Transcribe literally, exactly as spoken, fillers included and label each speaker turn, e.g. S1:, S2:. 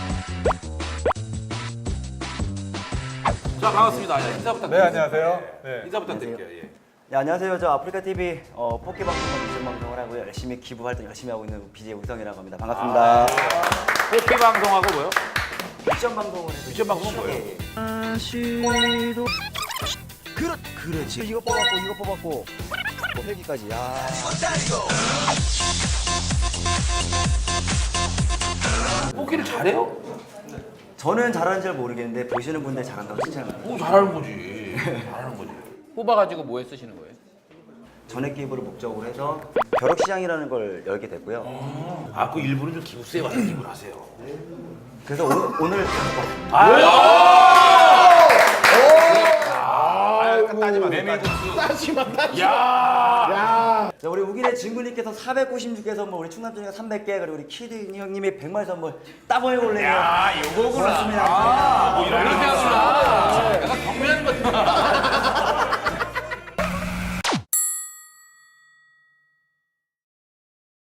S1: 자, 반갑습니다. 야, 인사 부탁드립니다.
S2: 네, 안녕하세요. 네.
S1: 인사 부탁드릴게요. 예.
S3: 네, 안녕하세요. 저 아프리카티비 어, 포켓 방송과 미션 방송을 하고요. 열심히 기부 활동 열심히 하고 있는 비제이 우성이라고 합니다. 반갑습니다.
S1: 포켓 방송하고 뭐요?
S3: 미션 방송을 해서
S1: 미션 방송은 뭐예요?
S3: 아시도 그렇 그렇지. 이거 뽑았고 이거 뽑았고 뭐 헬기까지. 야.
S1: 포켓을 잘해요?
S3: 저는 잘하는지 잘 모르겠는데 보시는 분들 잘한다고 칭찬을.
S1: 오, 잘하는 거지. 잘하는 거지.
S4: 뽑아가지고 뭐에 쓰시는 거예요?
S3: 전액 기부를 목적으로 해서 벼룩시장이라는 걸 열게 됐고요.
S1: 아, 그 일부는 좀 기부세에 와서 기부를 하세요.
S3: 그래서 오늘 오늘
S1: 따지마, 메밀국수. 따지마, 따지마. 야.
S3: 자, 우리 우기네 진구님께서 사백구십육 개 선물, 우리 충남준이가 삼백 개, 그리고 우리 키드 형님이 백만 선물 따보해 볼래요.
S1: 야, 요거구나.
S3: 고맙습니다.
S1: 아,